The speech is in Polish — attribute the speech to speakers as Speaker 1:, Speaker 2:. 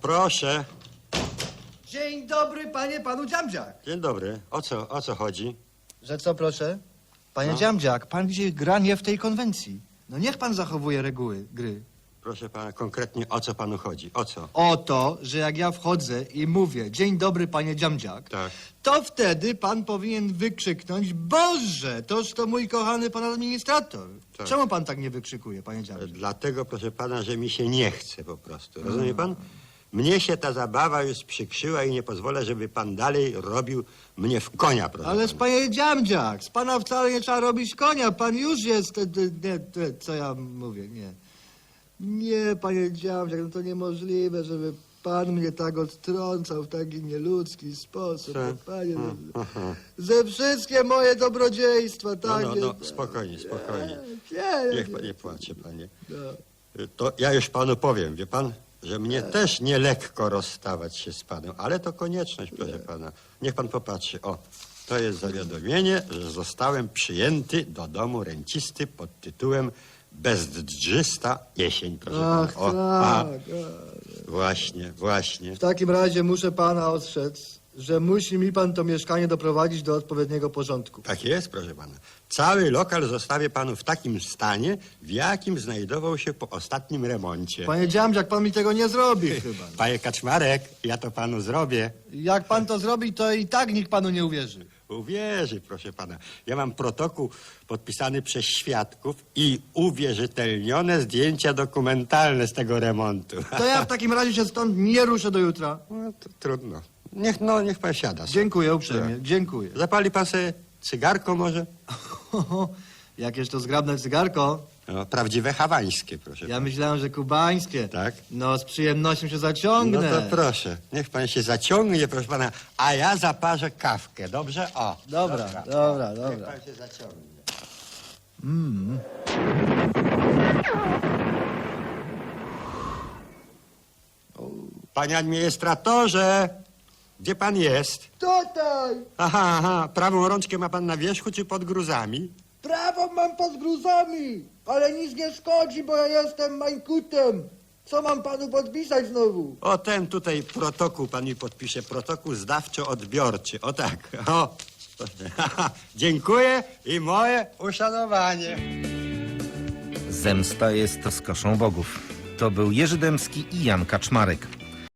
Speaker 1: proszę.
Speaker 2: Dzień dobry, panu Dziamdziak.
Speaker 1: Dzień dobry. O co chodzi?
Speaker 2: Że co, proszę? Panie Dziamdziak, pan gdzieś gra nie w tej konwencji. No niech pan zachowuje reguły gry.
Speaker 1: Proszę pana, konkretnie o co panu chodzi? O co?
Speaker 2: O to, że jak ja wchodzę i mówię dzień dobry, panie Dziamdziak,
Speaker 1: Tak.
Speaker 2: to wtedy pan powinien wykrzyknąć Boże, toż to mój kochany pan administrator.
Speaker 1: Tak.
Speaker 2: Czemu pan tak nie wykrzykuje, panie Dziamdziak?
Speaker 1: Dlatego, proszę pana, że mi się nie chce po prostu. Rozumie pan? Mnie się ta zabawa już przykrzyła i nie pozwolę, żeby pan dalej robił mnie w konia, proszę
Speaker 2: Ależ
Speaker 1: pana.
Speaker 2: panie Dziamdziak, z pana wcale nie trzeba robić konia, pan już jest, co ja mówię, nie. Nie, panie Dziamdziak, no to niemożliwe, żeby pan mnie tak odtrącał w taki nieludzki sposób.
Speaker 1: Tak.
Speaker 2: No, panie, ze wszystkie moje dobrodziejstwa, tak?
Speaker 1: No, spokojnie. Niech pan nie płacze, panie.
Speaker 2: No.
Speaker 1: To ja już panu powiem, wie pan, że mnie też nie lekko rozstawać się z panem, ale to konieczność, proszę pana. Niech pan popatrzy. O, to jest zawiadomienie, że zostałem przyjęty do domu rencisty pod tytułem Bezdrzysta jesień, proszę pana.
Speaker 2: Ach,
Speaker 1: O,
Speaker 2: tak.
Speaker 1: właśnie.
Speaker 2: W takim razie muszę pana ostrzec, że musi mi pan to mieszkanie doprowadzić do odpowiedniego porządku.
Speaker 1: Tak jest, proszę pana. Cały lokal zostawię panu w takim stanie, w jakim znajdował się po ostatnim remoncie.
Speaker 2: Panie Dziamdziak, pan mi tego nie zrobi chyba.
Speaker 1: Panie Kaczmarek, ja to panu zrobię.
Speaker 2: Jak pan to zrobi, to i tak nikt panu nie uwierzy.
Speaker 1: Uwierzy, proszę pana. Ja mam protokół podpisany przez świadków i uwierzytelnione zdjęcia dokumentalne z tego remontu.
Speaker 2: To ja w takim razie się stąd nie ruszę do jutra.
Speaker 1: No, to trudno. Niech pan siada sobie.
Speaker 2: Dziękuję uprzejmie, dziękuję.
Speaker 1: Zapali pan sobie cygarko może?
Speaker 2: Jakież to zgrabne cygarko.
Speaker 1: No, prawdziwe hawańskie, proszę
Speaker 2: Ja myślałem, że kubańskie.
Speaker 1: Tak?
Speaker 2: No, z przyjemnością się
Speaker 1: No
Speaker 2: zaciągnę.
Speaker 1: to proszę, niech pan się zaciągnie, proszę pana, a ja zaparzę kawkę, dobrze? O.
Speaker 2: Dobra.
Speaker 1: Niech pan się zaciągnie. Panie administratorze, gdzie pan jest?
Speaker 2: Tutaj!
Speaker 1: Aha, prawą rączkę ma pan na wierzchu czy pod gruzami?
Speaker 2: Prawą mam pod gruzami, ale nic nie szkodzi, bo ja jestem mańkutem. Co mam panu podpisać znowu?
Speaker 1: O, ten tutaj protokół pan mi podpisze, protokół zdawczo-odbiorczy, o tak, o. Dziękuję i moje uszanowanie.
Speaker 3: Zemsta jest rozkoszą bogów. To był Jerzy Dębski i Jan Kaczmarek.